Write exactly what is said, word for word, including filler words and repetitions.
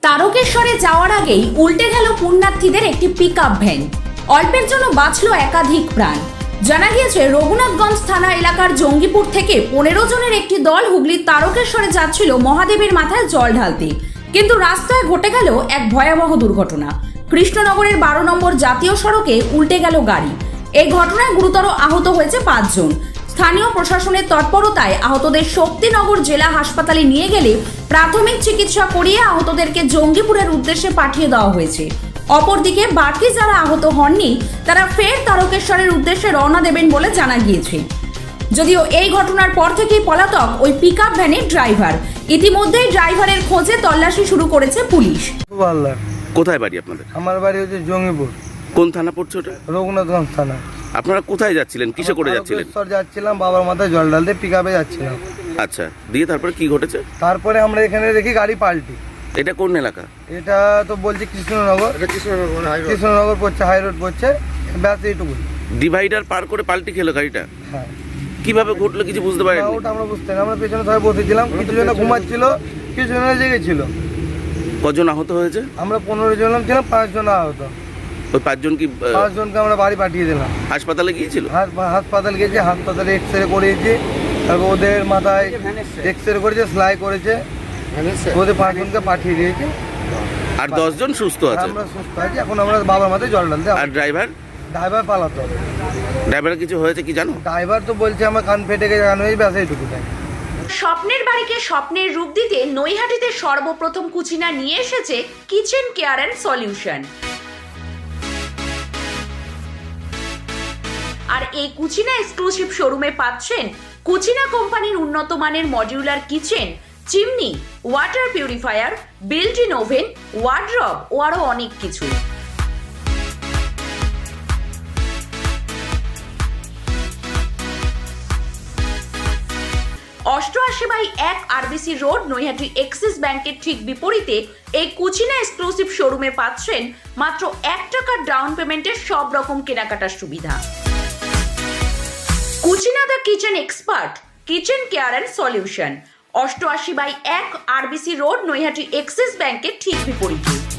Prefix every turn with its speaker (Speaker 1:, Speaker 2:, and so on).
Speaker 1: তারকেশ্বরে যাওয়ার আগেই উল্টে গেল পুণ্যার্থীদের একটি পিকআপ ভ্যান। অল্পের জন্য বাঁচল একাধিক প্রাণ। জানা গিয়েছে রঘুনাথগঞ্জ থানা এলাকার জঙ্গিপুর থেকে পনেরো জনের একটি দল হুগলির তারকেশ্বরে যাচ্ছিল মহাদেবের মাথায় জল ঢালতে, কিন্তু রাস্তায় ঘটে গেল এক ভয়াবহ দুর্ঘটনা। কৃষ্ণনগরের বারো নম্বর জাতীয় সড়কে উল্টে গেল গাড়ি। এই ঘটনায় গুরুতর আহত হয়েছে পাঁচজন। স্থানীয় প্রশাসনের তৎপরতায় আহতদের শক্তিনগর জেলা হাসপাতালে নিয়ে গেলে প্রাথমিক চিকিৎসা করিয়ে আহতদেরকে জঙ্গিপুরের উদ্দেশ্যে পাঠিয়ে দেওয়া হয়েছে। অপরদিকে বাকি যারা আহত হননি তারা ফের তারকেশ্বরের উদ্দেশ্যে রওনা দেবেন বলে জানা গিয়েছে। যদিও এই ঘটনার পর থেকেই পলাতক ওই পিকআপ ভ্যানের ড্রাইভার। ইতিমধ্যেই ড্রাইভারের খোঁজে তল্লাশি শুরু করেছে পুলিশ।
Speaker 2: কোথায় বাড়ি আপনাদের?
Speaker 3: আমার বাড়ি হচ্ছে জঙ্গিপুর।
Speaker 2: কোন থানা পড়ছে ওটা?
Speaker 3: রঘুনাথগঞ্জ থানা।
Speaker 2: আপনারা কোথায় যাচ্ছিলেন, কিসে করে যাচ্ছিলেন?
Speaker 3: তারকেশ্বর যাচ্ছিলাম, বাবার মাথায় জল ঢালতে পিকআপে যাচ্ছিলাম।
Speaker 2: আচ্ছা, দিয়ে তারপরে কি ঘটেছে?
Speaker 3: তারপরে আমরা এখানে দেখি গাড়ি পাল্টি।
Speaker 2: এটা কোন এলাকা?
Speaker 3: এটা তো বলছি কৃষ্ণনগর। কৃষ্ণনগর পড়ছে, হাই রোড পড়ছে, ব্যাস এইটুকু।
Speaker 2: ডিভাইডার পার করে পাল্টি খেলো গাড়িটা?
Speaker 3: হ্যাঁ।
Speaker 2: কিভাবে ঘটলো কিছু বুঝতে পারেন?
Speaker 3: ওটা আমরা বুঝতে না, আমরা পেছনে সবাই বসেছিলাম, কিছু জন ঘুমাচ্ছিল, কিছু জন জেগেছিল।
Speaker 2: কজন আহত হয়েছে?
Speaker 3: আমরা পনেরো জন ছিলাম, পাঁচ জন আহত।
Speaker 2: ওই পাঁচজন কি?
Speaker 3: পাঁচজনকে আমরা বাড়ি পাঠিয়ে দিলাম।
Speaker 2: হাসপাতালে গিয়েছিল?
Speaker 3: হাসপাতাল গেছে, হাসপাতালে এক্স রে করিয়েছি, তারপর ওদের মাথায় এক্স রে করেছে, সেলাই করেছে, ওদের পাঁচজনকে পাঠিয়ে দিয়েছে।
Speaker 2: আর দশজন সুস্থ আছে?
Speaker 3: আমরা সুস্থ আছি, এখন আমরা বাবার মাথায় জল ঢালতে।
Speaker 2: আর ড্রাইভার?
Speaker 3: ড্রাইভার পালাতো।
Speaker 2: ড্রাইভার কিছু হয়েছে কি জানো?
Speaker 3: ড্রাইভার তো বলছে আমার কান ফেটে গেছে, কান হয়ে ব্যাস এইটুকু।
Speaker 1: স্বপ্নের বাড়িকে স্বপ্নের রূপ দিতে নৈহাটিতে সর্বপ্রথম কুচিনা নিয়ে এসেছে কিচেন কেয়ার অ্যান্ড সলিউশন। আর এই কুচিনা এক্সক্লুসিভ শোরুমে পাচ্ছেন কুচিনা কোম্পানির উন্নত মানের modular kitchen, chimney, water purifier, built in oven, wardrobe ও আরো অনেক কিছু। অষ্টআশি বাই এক আরবিসি রোড, নৈহাটি এক্সিস ব্যাংকের ঠিক বিপরীতে এই কুচিনা এক্সক্লুসিভ শোরুমে পাচ্ছেন মাত্র এক টাকার ডাউন পেমেন্টের সব রকম কেনাকাটার সুবিধা। Cucina the kitchen expert, kitchen care and solution, অষ্টআশি বাই এক আরবিসি রোড, নৈহাটি এক্সিস ব্যাংকের ঠিক বিপরীতে।